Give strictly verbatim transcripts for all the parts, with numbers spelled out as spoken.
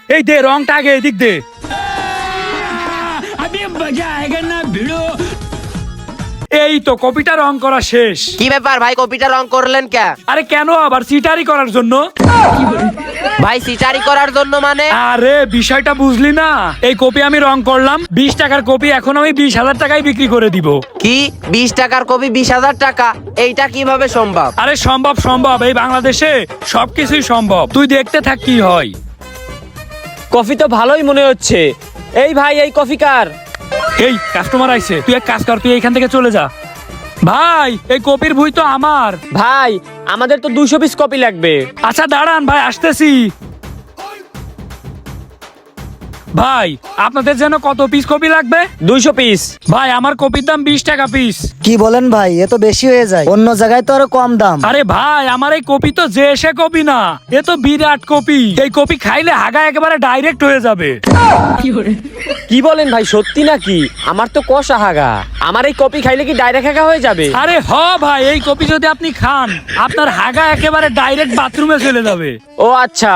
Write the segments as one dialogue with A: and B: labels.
A: এই দে রংটা আগে এদিক দে। এই তো কপিটা রং করা শেষ।
B: কি ব্যাপার ভাই, কপিটা রং করলেন কে?
A: আরে কেন আবার সিটারি করার জন্য।
B: ভাই সিটারি করার জন্য মানে?
A: আরে বিষয়টা বুঝলি না, এই কপি আমি রং করলাম বিশ টাকার কপি, এখন আমি বিশ হাজার টাকায় বিক্রি করে দিব।
B: কি বিশ টাকার কপি বিশ হাজার টাকা? এইটা কিভাবে সম্ভব?
A: আরে সম্ভব সম্ভব, এই বাংলাদেশে সবকিছুই সম্ভব, তুই দেখতে থাক কি হয়।
C: কফি তো ভালোই মনে হচ্ছে। এই ভাই, এই কফি কার?
A: এই কাস্টমার আইছে, তুই এক কাজ কর, তুই এখান থেকে চলে যা। ভাই এই কপির ভুই তো আমার।
C: ভাই আমাদের তো দুশো পিস কপি লাগবে।
A: আচ্ছা দাঁড়ান ভাই, আসতেছি। ভাই আপনাদের যেন কত পিস কপি লাগবে?
C: দুইশো পিস।
A: ভাই আমার কপির দাম বিশ টাকা পিস।
D: কি বলেন ভাই, এ তো বেশি হয়ে যায়, অন্য জায়গায় তো আরো কম দাম।
A: আরে ভাই আমার এই কপি তো যে সে কপি না, এ তো বিরাট কপি। এই কপি খাইলে হাগা একেবারে ডাইরেক্ট হয়ে যাবে।
C: কি বলেন ভাই, সত্যি নাকি? আমার তো কষা হাগা, আমার এই কপি খাইলে কি ডাইরেক্ট হাগা হয়ে যাবে?
A: আরে হ ভাই, এই কপি যদি আপনি খান আপনার হাগা একেবারে ডাইরেক্ট বাথরুমে চলে যাবে।
C: ও আচ্ছা।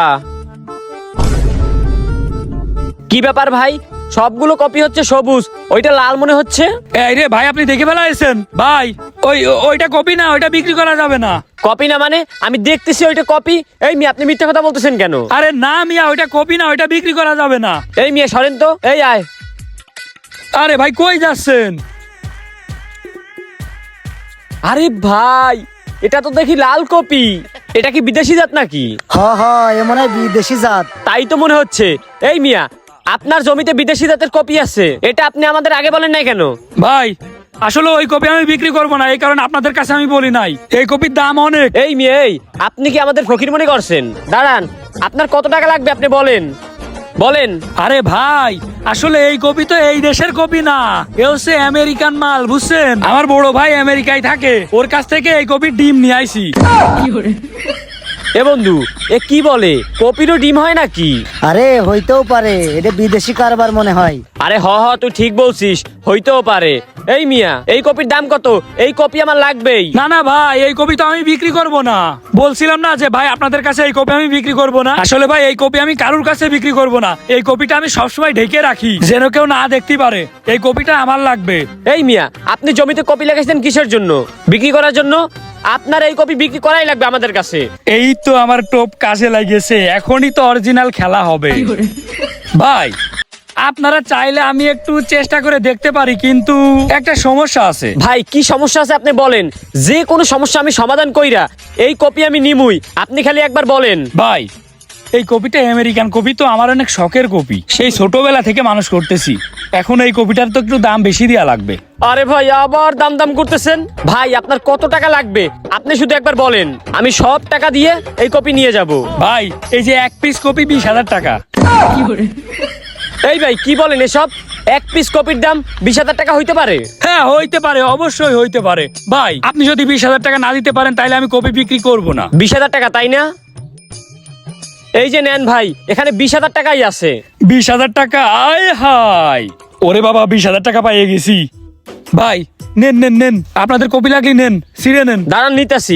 C: কি ব্যাপার ভাই, সবগুলো কপি হচ্ছে সবুজ, ওইটা লাল মনে হচ্ছে।
A: এই রে ভাই, আপনি দেখে ফেলাইছেন ভাই, ওই ওইটা কপি না, ওইটা বিক্রি করা যাবে না।
C: কপি না মানে? আমি দেখতেছি ওইটা কপি। এই মিয়া, আপনি মিথ্যা কথা বলতেছেন কেন?
A: আরে না মিয়া, ওইটা কপি না, ওইটা বিক্রি করা যাবে না।
C: এই মিয়া সরেন তো, এই আয়।
A: আরে ভাই কই যাচ্ছেন?
C: আরে ভাই, এটা তো দেখি লাল কপি। এটা কি বিদেশি জাত নাকি?
D: হ হ, এ মনে হয় বিদেশি জাত।
C: তাই তো মনে হচ্ছে। এই মিয়া, আপনার জমিতে বিদেশি জাতের কপি আছে, এটা আপনি আমাদের আগে বলেন নাই কেন?
A: ভাই আসলে ওই কপি আমি বিক্রি করবো না, এই কারণে আপনাদের কাছে আমি বলি নাই। এই কপির দাম অনেক।
C: এই মিয়া, এই আপনি কি আমাদের ফকির মনে করছেন? দাঁড়ান, আপনার কত টাকা লাগবে আপনি বলেন বলেন।
A: আরে ভাই আসলে এই কপি তো এই দেশের কপি না, এ হচ্ছে আমেরিকান মাল, বুঝছেন? আমার বড় ভাই আমেরিকায় থাকে, ওর কাছ থেকে এই কপির ডিম নিয়ে আইছি।
C: এ বন্ধু, এ কি বলে, কপিরও ডিম হয় নাকি?
D: আরে হইতেও পারে, এটা বিদেশি কারবার মনে হয়।
C: আরে হ হ, তুই ঠিক বলছিস, হইতেও পারে। এই মিয়া, এই কপির দাম কত? এই কপি আমার লাগবেই।
A: না না ভাই, এই কপি তো আমি বিক্রি করব না। বলছিলাম না যে ভাই আপনাদের কাছে এই কপি আমি বিক্রি করব না। আসলে ভাই এই কপি আমি কারুর কাছে বিক্রি করব না, এই কপিটা আমি সবসময় ঢেকে রাখি যেন কেউ না দেখতে পারে। এই কপিটা আমার লাগবে।
C: এই মিয়া, আপনি জমিতে কপি লাগাইছেন কিসের জন্য? বিক্রি করার জন্য? আপনার এই কপি বিক্রি করাই লাগবে আমাদের কাছে।
A: এই তো আমার টোপ কাজে লাগিয়েছে, এখনই তো অরিজিনাল খেলা হবে। ভাই আপনারা চাইলে আমি একটু চেষ্টা করে দেখতে পারি, কিন্তু একটা সমস্যা আছে।
C: ভাই কি সমস্যা আছে আপনি বলেন, যে কোনো সমস্যা আমি সমাধান কইরা এই কপি আমি নিমুই, আপনি খালি একবার বলেন।
A: ভাই এই কপিটা আমেরিকান কপি, তো আমার অনেক শখের কপি, সেই ছোটবেলা থেকে মানুষ করতেছি। এখন এই কপিটার তো একটু দাম বেশি দেওয়া লাগবে।
C: আরে ভাই, আবার দাম দাম করতেছেন। ভাই আপনার কত টাকা লাগবে আপনি শুধু একবার বলেন, আমি সব টাকা দিয়ে এই কপি নিয়ে যাব।
A: ভাই এই যে এক পিস কপি বিশ হাজার টাকা।
C: এই ভাই কি বলেন এসব? এক পিস কপির দাম বিশ হাজার টাকা হইতে পারে?
A: হ্যাঁ হইতে পারে, অবশ্যই হইতে পারে। ভাই আপনি যদি বিশ হাজার টাকা না দিতে পারেন তাহলে আমি কপি বিক্রি করব না।
C: বিশ হাজার টাকা তাই না? এই যে নেন ভাই, এখানে বিশ হাজার টাকাই আছে।
A: বিশ হাজার টাকা? আয় হাই, ওরে বাবা, বিশ হাজার টাকা পাইয়ে গেছি। ভাই নেন নেন নেন, আপনাদের কপি লাগলে নেন, ছিঁড়ে নেন।
C: দাঁড়ান নিতেছি।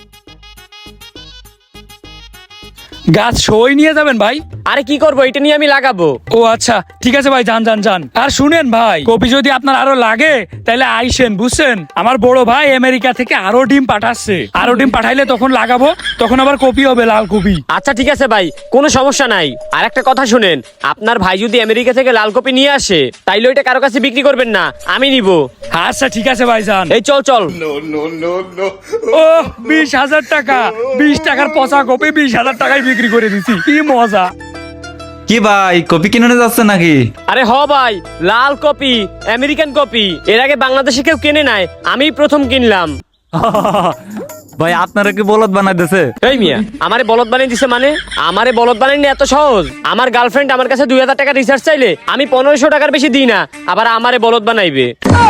A: গাছ সই নিয়ে যাবেন ভাই?
C: আরে কি করবো, এটা নিয়ে আমি লাগাবো।
A: ও আচ্ছা ঠিক আছে ভাই, যান যান যান। আর শুনেন ভাই, কপি যদি আপনার আরো লাগে তাহলে আইসেন, বুঝছেন? আমার বড় ভাই আমেরিকা থেকে আরো ডিম পাঠাচ্ছে, আরো ডিম পাঠাইলে তখন লাগাবো, তখন আবার কপি হবে, লাল কপি।
C: আচ্ছা ঠিক আছে ভাই, কোনো সমস্যা নাই। আর একটা কথা শুনেন, আপনার ভাই যদি আমেরিকা থেকে লাল কপি নিয়ে আসে তাইলে ওইটা কারো কাছে বিক্রি করবেন না, আমি নিব।
A: আচ্ছা ঠিক আছে ভাই, যান।
C: এই চল চল।
A: ও বিশ হাজার টাকা, বিশ টাকার পচা কপি বিশ হাজার টাকায় বিক্রি করে দিছি, কি মজা।
E: কি ভাই, কপি কিনে যাচ্ছে নাকি?
C: আরে হ ভাই, লাল কপি, আমেরিকান কপি, এর আগে বাংলাদেশে কেউ কেনে নাই, আমি প্রথম কিনলাম।
E: ভাই আপনারা কি বলদ বানাই দিছে?
C: এই মিয়া, আমারে বলদ বানিয়ে দিছে মানে? আমারে বলদ বানাইনি এত সহজ? আমার গার্লফ্রেন্ড আমার কাছে দুই হাজার টাকা রিচার্জ চাইলে আমি পনেরোশো টাকার বেশি দিই না, আবার আমারে বলদ বানাইবে?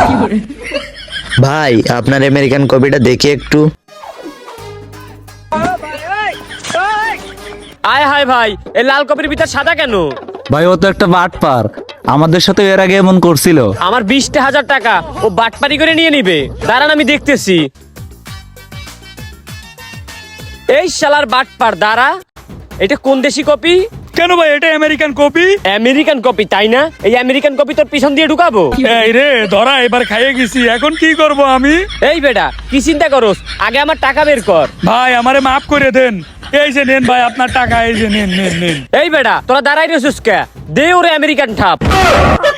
F: ভাই আপনার আমেরিকান কপিটা দেখি একটু।
C: আয় হায় ভাই, এই লাল কপির ভিতর সাদা কেন?
E: ভাই ও তো একটা বাটপার, আমাদের সাথে এর আগে এমন করছিল।
C: আমার বিশটা হাজার টাকা ও বাটপারি করে নিয়ে নিবে। দাঁড়ান আমি দেখতেছি। এই শালার বাটপার, দাঁড়া, এটা কোন দেশি কপি?
A: কেন ভাই এটা আমেরিকান কপি?
C: আমেরিকান কপি তাই না? এই আমেরিকান কপি তোর পিছন দিয়ে ঢুকাবো?
A: এই রে ধরা, এবার খাইয়ে গেছি, এখন কি করব আমি?
C: এই বেটা কি চিন্তা করস, আগে আমার টাকা বের কর।
A: ভাই আমারে মাফ করে দেন। এই যে নেন ভাই আপনার টাকা, এই যে নেন নেন নেন।
C: এই বেটা তোরা দাঁড়াই রেছিস কে? দে ওরে আমেরিকান ঠাপ।